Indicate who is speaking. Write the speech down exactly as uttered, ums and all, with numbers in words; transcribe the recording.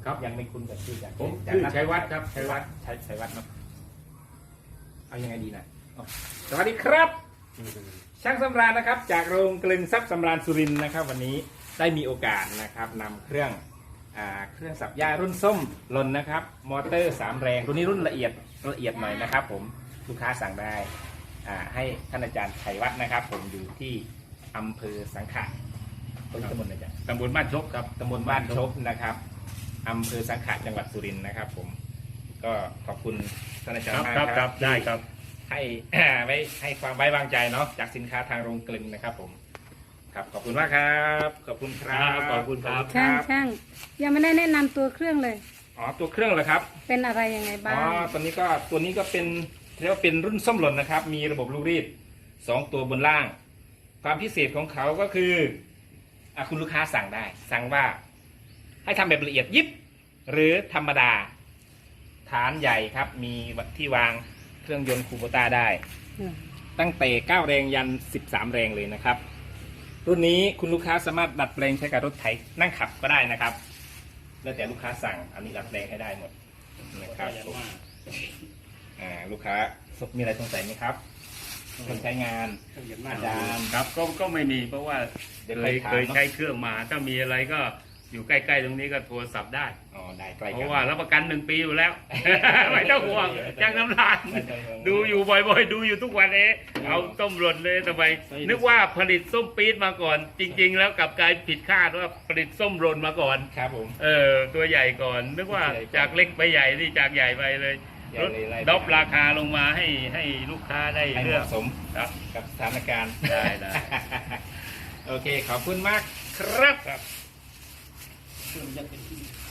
Speaker 1: ครับยังไม่คุ้นกับชื่อจาก
Speaker 2: ผม
Speaker 1: จาก
Speaker 2: ชื่อ
Speaker 1: นัท
Speaker 2: ชัยวัฒน์ครับชัยวัฒน์
Speaker 1: ชัยชัยวัฒน์เนาะเอายังไงดีนะอ๋อสวัสดีครับ ช่างสำราญนะครับ จากโรงกลึงทรัพย์สำราญสุรินทร์นะครับ วันนี้ได้มีโอกาสนะครับนำเครื่องอ่าเครื่องสับหญ้ารุ่นส้มลนนะครับ มอเตอร์สามแรงตัวนี้รุ่นละเอียดละเอียดหน่อยนะครับ ผมลูกค้าสั่งได้อ่าให้ท่านอาจารย์ชัยวัฒน์นะครับ ผมอยู่ที่อำเภอสังขะตำบลอะไรจ๊ะ
Speaker 2: ตำบลบ้านชกครับ
Speaker 1: ตำบลบ้านชบนะครับอำเภอสังขะจังหวัดสุรินทร์นะครับ ผมก็ขอบคุณท่านอาจาร
Speaker 2: ค
Speaker 1: ย์
Speaker 2: รับ
Speaker 1: มาก
Speaker 2: ครับ
Speaker 1: ค
Speaker 2: ค
Speaker 1: รั
Speaker 2: รั
Speaker 1: บบ
Speaker 2: ได้ครับ
Speaker 1: ให้ ไว้ให้ความไว้วางใจเนาะจากสินค้าทางโรงกลึงนะครับ ผมครับขอบคุณมากครับขอบคุณครับ
Speaker 2: ขอบคุณครับ
Speaker 3: ช่างช่างยังไม่ได้แนะนำตัวเครื่องเลย
Speaker 1: อ๋อตัวเครื่องเหรอครับ
Speaker 3: เป็นอะไรยังไง
Speaker 1: อ๋
Speaker 3: บ้า
Speaker 1: อง ตัวนี้ก็ตัวนี้ก็เป็นเรียกว่าเป็นรุ่นส้มหล่นนะครับ มีระบบลูกรีดสองตัวบนล่าง ความพิเศษของเขาก็คืออ่ะคุณลูกค้าสั่งได้ สั่งว่าให้ทำแบบละเอียดยิบหรือธรรมดา ฐานใหญ่ครับ มีที่วางเครื่องยนต์คูโบต้าได้ ตั้งแต่เก้าแรงยันสิบสามแรงเลยนะครับ รุ่นนี้คุณลูกค้าสามารถดัดแปลงใช้กับรถไถนั่งขับก็ได้นะครับ แล้วแต่ลูกค้าสั่งอันนี้ดัดแปลงให้ได้หมดนะครับอ่าลูกค้ามีอะไรสงสัยไหมครับคนใช้งานอาจารย์
Speaker 2: ครับก็ก็ไม่มีเพราะว่า
Speaker 1: เดี๋ยว
Speaker 2: เค
Speaker 1: ไป
Speaker 2: ย
Speaker 1: ถาม
Speaker 2: เคย
Speaker 1: เนอะ
Speaker 2: ใช้เครื่องมาถ้ามีอะไรก็อยู่ใกล้ๆตรงนี้ก็โทรศัพท์ได้
Speaker 1: อ๋อได้ใกล้
Speaker 2: เพ
Speaker 1: กัน
Speaker 2: ราะว่ารับประกันหนึ่งปีอยู่แล้ว ไม่ต้องห่วงจ้างน้ำลาย
Speaker 1: ไม่ต้องห่วง
Speaker 2: ดูอยู่บ่อยๆ ดูอยู่ทุกวันเอ๊ะเอาต้มหล่นเลยทำไมนึกว่าผลิตส้มปี๊ดมาก่อน จริง ๆ แล้วกลับกลายผิดคาดว่าผลิตส้มหล่นมาก่อน
Speaker 1: ครับผม
Speaker 2: เออตัวใหญ่ก่อน นึกว่าจากเล็กไปใหญ่นี่จากใหญ่ไปเลย
Speaker 1: ใหญ่
Speaker 2: ลด
Speaker 1: เลยไล่ไป
Speaker 2: ดรอปราคาลงมาให้ให้ลูกค้าได้
Speaker 1: ให้เห
Speaker 2: เลือก
Speaker 1: มาะสม
Speaker 2: ครับ
Speaker 1: กับสถานการณ์
Speaker 2: ได้ได้
Speaker 1: โอเคขอบคุณมากครับ
Speaker 2: ครับ